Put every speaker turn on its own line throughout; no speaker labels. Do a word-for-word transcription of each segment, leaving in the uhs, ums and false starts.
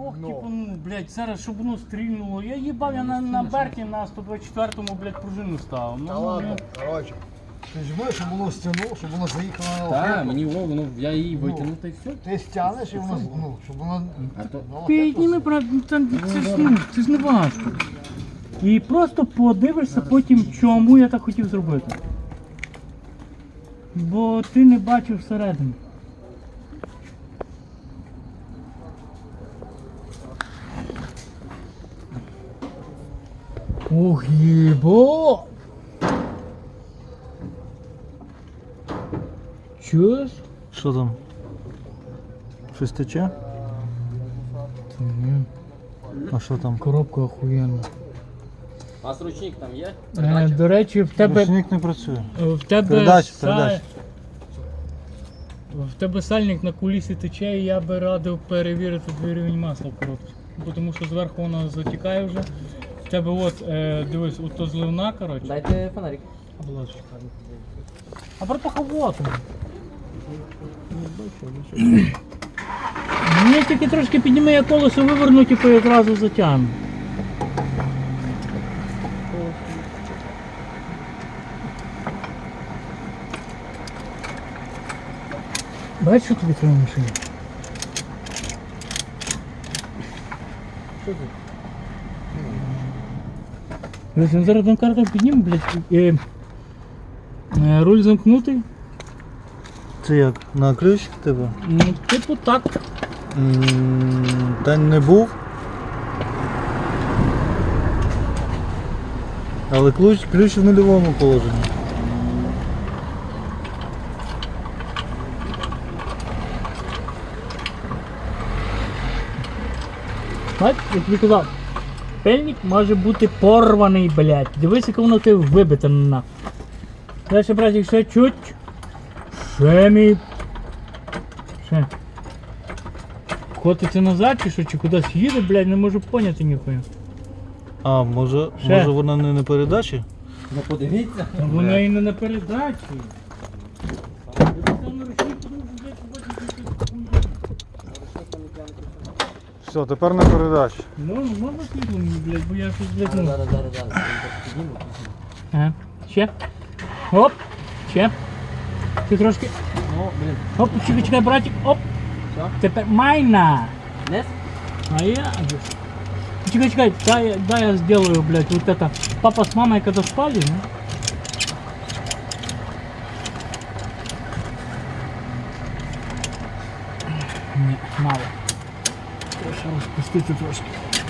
Ох,
Ну.
типу, ну, блядь, зараз, щоб воно стрільнуло. Я їбав, я на, на Берті на сто двадцять четвертому, блядь, пружину ставив. Ну,
Та
ну,
ладно, коротше. Ти жми, щоб воно стягнуло, щоб воно заїхало на
Так,
лохету.
мені воно, я її витягнув та й все.
Ти стягнеш і воно, ну, щоб воно
А то-
на лохету.
Підніми, брат, ну, там, це ж, ну, це ж не важко. І просто подивишся потім, чому я так хотів зробити. Бо ти не бачив всередину. Ох, їбо! Чуєш?
Що там? Щось тече?
Та ні,
А що там?
коробка охуєнна.
У вас ручник там є?
Е, до речі, в тебе...
Ручник не працює.
В тебе,
Передач,
са-
передач.
в тебе сальник на кулісі тече, і я би радив перевірити твій рівень масла в коробці. Бо тому що зверху воно затікає вже. В тебе от, е, дивись, от то зливна, коротше.
Дайте фонарик.
Будь ласка. А братуха вот он. Мені тільки трошки підніми, я колесо виверну, типу і одразу затягну. Бачиш, що тобі треба в машині? Блядь, він зараз карту підніме, блядь, і, е, руль замкнутий.
Це як? На ключ тебе?
Ну, типу так.
М, Та не був. Але ключ, ключ в нульовому положенні.
Бач, як тобі казав, пельник може бути порваний, блядь. Дивись, як воно ти вибите на. Дальше, братик, ще чуть. Ще мій. Ще. Котиться назад чи що, чи кудись їде, блядь, не можу поняти ніхуя.
А, може,
Ще.
може вона не на передачі?
Ну подивіться.
Та вона і не на передачі. Дивись, на ручник, тому що, блядь, побачиш, що це хуйня.
Все, тепер на передачі.
Ну, ну, можна світло мені, блядь, бо я щось, блядь, ну.
Зараз, зараз, зараз. Підніму.
Ага. Ще. Оп. Ще. Ти трошки.
О, блін.
Оп, чекай, чекай, братик. Оп.
Все?
Тепер майна.
Нес?
А я... Чекай, чекай, дай, дай я сделаю, блядь, вот это. Папа с мамой когда спали, ну? Не, мало. Треба розпустити трошки.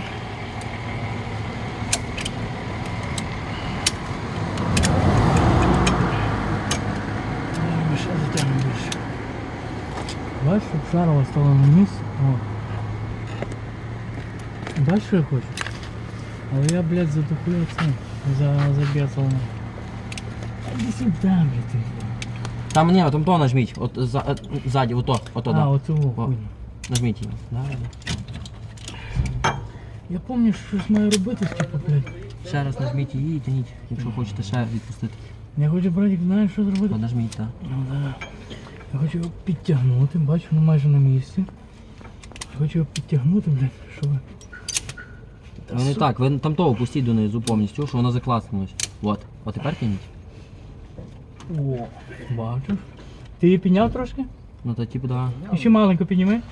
Ой, ще затягну більше. Бачиш, щоб шарова стала на місце. О. Бачиш, що я хочу? Але я, блядь, за дохуя цим, за, забецал. Иди сюда, блядь, ты.
Там ні, там то нажміть. От за, е, ззаді, ото, ото,
А,
да.
вот его
О.
хуйня.
Нажміть її. Да, да.
Я помню, що щось маю робити, типу, блядь.
Ще раз нажміть її і тяніть, якщо хочете ще відпустити.
Я хочу, братик, знаєш, що зробити?
Подожміть, так.
Ну, да. Я хочу його підтягнути, бачу, воно майже на місці. Хочу його підтягнути, блядь, щоб...
Ну не так, ви там того пустіть донизу повністю, що воно закласнулось. От. От тепер тяніть.
О, бачиш? Ти її підняв трошки?
Ну то типу, да.
І ще маленько підніми.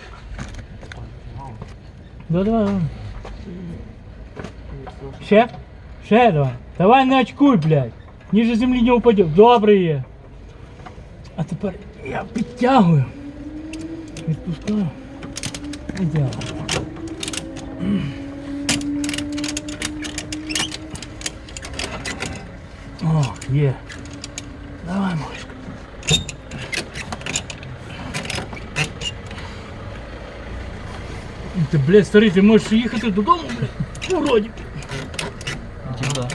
Да, давай, давай. Ще? Ще давай. Давай не очкуй, блядь. Ніже землі не упаде. Добре є. А тепер я підтягую. Відпускаю. Ідеально. О, є. Давай, малышка. Ти, блядь, старий, ти можеш їхати додому, блядь? Уродик.
Типу, да.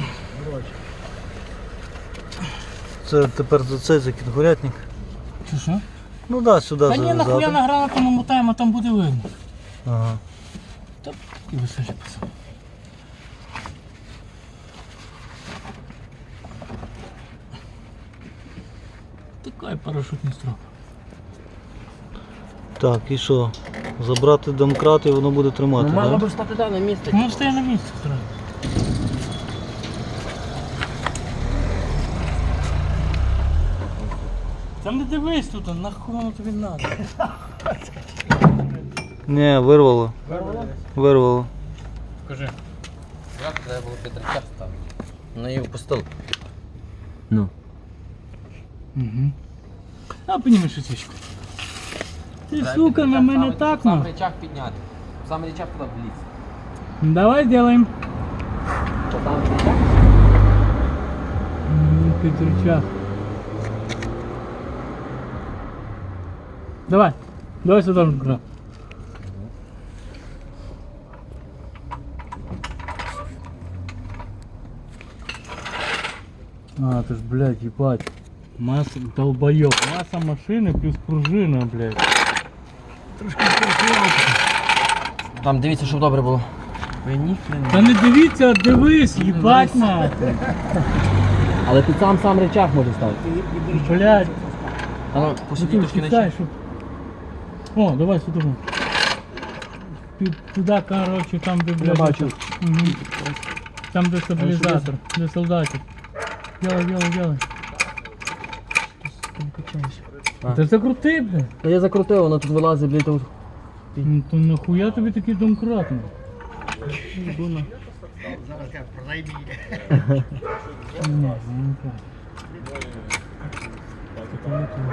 Це тепер за цей за кінгурятник.
Чи що?
Ну да, сюди
Та ні, нахуя
зав'язати.
на гранату намотаємо, а там буде видно.
Ага.
Та і висажі пацан. Такий парашутний строп.
Так, і що? Забрати домкрат і воно буде тримати,
Ну, мало
так?
би стати да, на місце.
Ну, стає на місці одразу. Там не дивись тут, нахуй воно тобі надо.
Ні, вирвало. Вирвало.
Покажи.
Як треба було Петрича ставити? Ну і впустив. Ну.
Угу. А підніми швидко. Ти, сука, на мене так,
Сам
ну.
рычаг підняти. Сам рычаг туди вліз.
Давай сделаем.
Що там рычаг?
Петрича. Давай. Давай сюда. Рука. А, ты ж, блядь, ебать. Масса, долбоёб. Масса машины плюс пружина, блядь. Трошки прихватка.
Там дивіться, щоб добре було. Ви ніхрена.
Та не дивіться, а дивись, їбать нахуй.
Але тут сам сам рычаг може ставити.
Блядь.
А ну,
Ну
посиди
ти
трошки
втікай,
нижче.
щоб... О, давай сюди. Під туди, короче, там де, блядь.
бачу.
Угу. Там де стабілізатор, де солдатик. Делай, делай, делай.
А.
Ти закрути, блядь.
Та я закрутив, воно тут вилазить, блядь, тут.
Ну то нахуя тобі такий домкрат? ну?
Зараз кажуть, продай мені.
Ні, ну не так. Це там не то.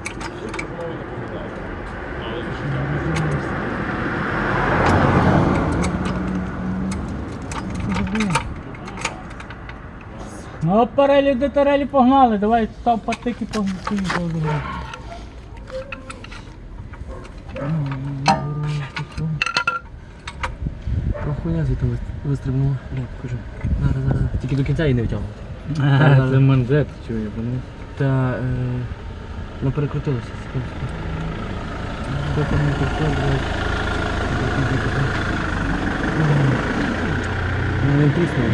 Ну, парелі до тарелі погнали, давай став патики поїхали.
Хуйня звідти вистрибнула. Бля, покажи. Зараз, зараз. Тільки до кінця її не витягувати.
А, це манжет, чую, вони.
Та, е, ну перекрутилося. секундочку.
Що там не таке, блядь?
Ну він тріснув.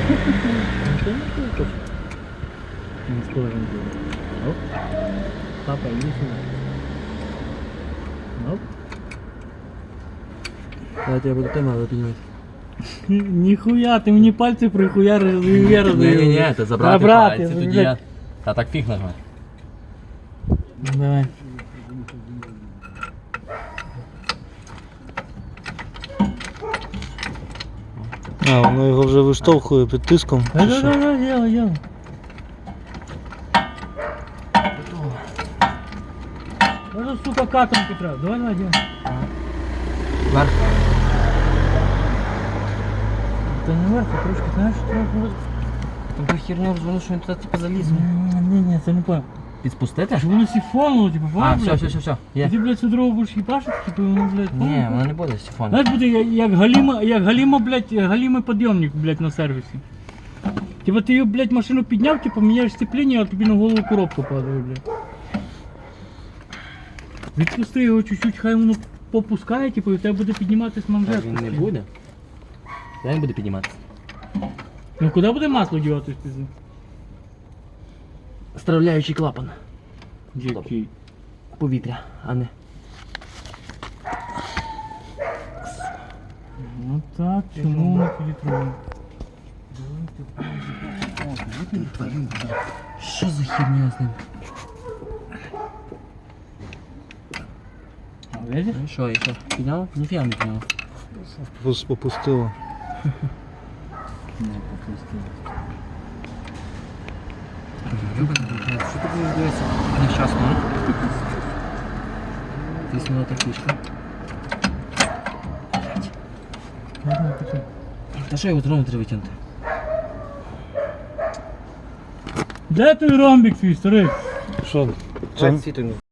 Не схожим було. Оп. Папа, иди сюда. Оп.
Давайте я буду тема піднімати.
Нихуя, ты мне пальцы прихуярил и вверх.
Ні-ні-ні, це забрати
Забрати,
пальці, тоді
блядь.
я... Та так фіг нажмати.
Давай.
А, воно його вже виштовхує під тиском.
Да,
чи
да,
що?
да, да, делай, делай. Даже, сука, катом Петра. Давай, давай, делай.
Вверх.
Да не вверх, а трошки, знаешь, трохи.
Там ту херню розвернув, що він туди типу заліз.
Не, не, це не понял.
Підспустити?
Щоб воно сифонуло, типа,
А,
понял,
все,
блядь?
все, все, все.
І
Є.
ти, блядь, цю дорогу будеш їбашити, типу, воно, блядь,
Ні,
понял?
воно не буде сифону.
Знаєш, буде як, як галіма, як галіма, блядь, галімий підйомник, блядь, на сервісі. Типа ти її, блядь, машину підняв, типу, міняєш сцепління, а тобі на голову коробка падає, блядь. Відпусти його чуть-чуть, хай воно попускає, типу, і в тебе буде підніматись манжет.
Він не буде. Він буде підніматися.
Ну куди буде масло діватись пізно?
Стравляючий клапан.
Який?
Повітря, а не.
Ну так, чому воно фільтрує?
Що за херня з ним?
А, видиш?
Ну що, і що? Підняв? Ніфіга не підняв.
Ось попустило.
Не, попусти.
Що ти будеш дивитися? Нещасно, а? Тиснула та фішка. Та що його знову треба витягнути?
Де той ромбік твій, старий?
Що? Це,
Світу